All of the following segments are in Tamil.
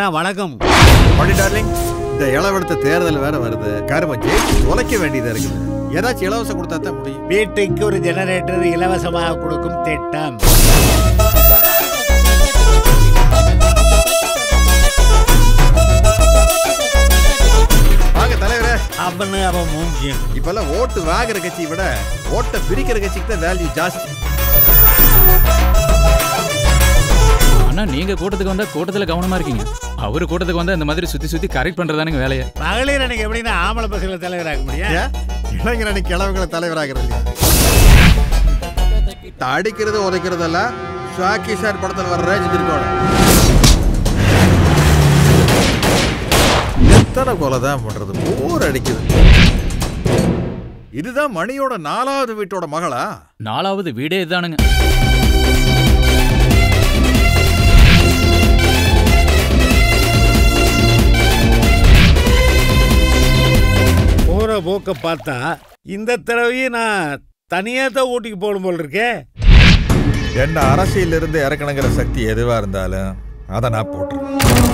அதான் வழக்கம். மணி டார்லிங், இந்த இளவெடுத்த தேர்தல் வேற வருது. கரும ஜெயிச்சு தொலைக்க வேண்டியதா இருக்குது. ஏதாச்சும் இலவசம் கொடுத்தா தான் முடியும். வீட்டுக்கு ஒரு ஜெனரேட்டர் இலவசமாக கொடுக்கும் திட்டம். அவனு அவன் மூஞ்சியும். இப்பெல்லாம் ஓட்டு வாங்குற கட்சியை விட ஓட்டை பிரிக்கிற கட்சிக்கு தான் வேல்யூ ஜாஸ்தி. ஆனா நீங்க கூட்டத்துக்கு வந்தா கூட்டத்துல கவனமா இருக்கீங்க. அவரு கூட்டத்துக்கு வந்தா இந்த மாதிரி சுத்தி சுத்தி கரெக்ட் பண்றதானுங்க வேலையை. மகளிர் அன்னைக்கு எப்படின்னா ஆம்பளை பசங்களை தலைவராக முடியும். இளைஞர் அன்னைக்கு கிழவங்களை தலைவராகிறது. அடிக்கிறது உதைக்கிறதெல்லாம் ஷாக்கி சார் படத்தில் வர்ற ரேஞ்சிருக்கோட. எத்தனை கொலை தான் பண்றது? போர் அடிக்குது. இதுதான் மணியோட 4வது வீட்டோட மகளா? 4வது வீடே இதுதானுங்க. போற போக்க பார்த்தா இந்த தடவையும் நான் தனியா தான் ஊட்டிக்கு போகணும் போல் இருக்கே. என்ன அரசியல இருந்து இறக்கணுங்கிற சக்தி எதுவா இருந்தாலும் அதை நான் போட்டுருவேன்.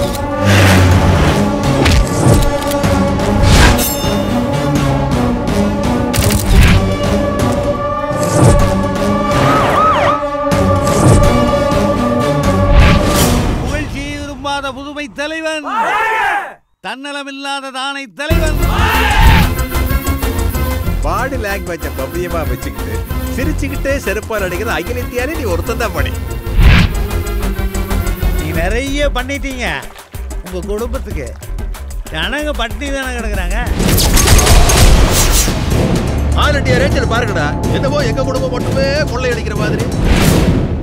புகழ்ச்சி விரும்பாத புதுமை தலைவன், தன்னலமில்லாத தானை தலைவன். பாடி லாங்குவேஜ பவ்யமா வச்சுக்கிட்டு சிரிச்சுக்கிட்டே செருப்பால் அடிக்கிறது அகில இந்தியாலே நீ ஒருத்தன் தான் பண்ணி. நீ நிறைய பண்ணிட்டீங்க உங்க குடும்பத்துக்கு. ஜனங்க பட்டினி தானே கிடக்குறாங்க. ஆல் இண்டியா ரேஞ்சில் பாருங்கடா, என்னவோ எங்க குடும்பம் மட்டுமே கொள்ளையடிக்கிற மாதிரி.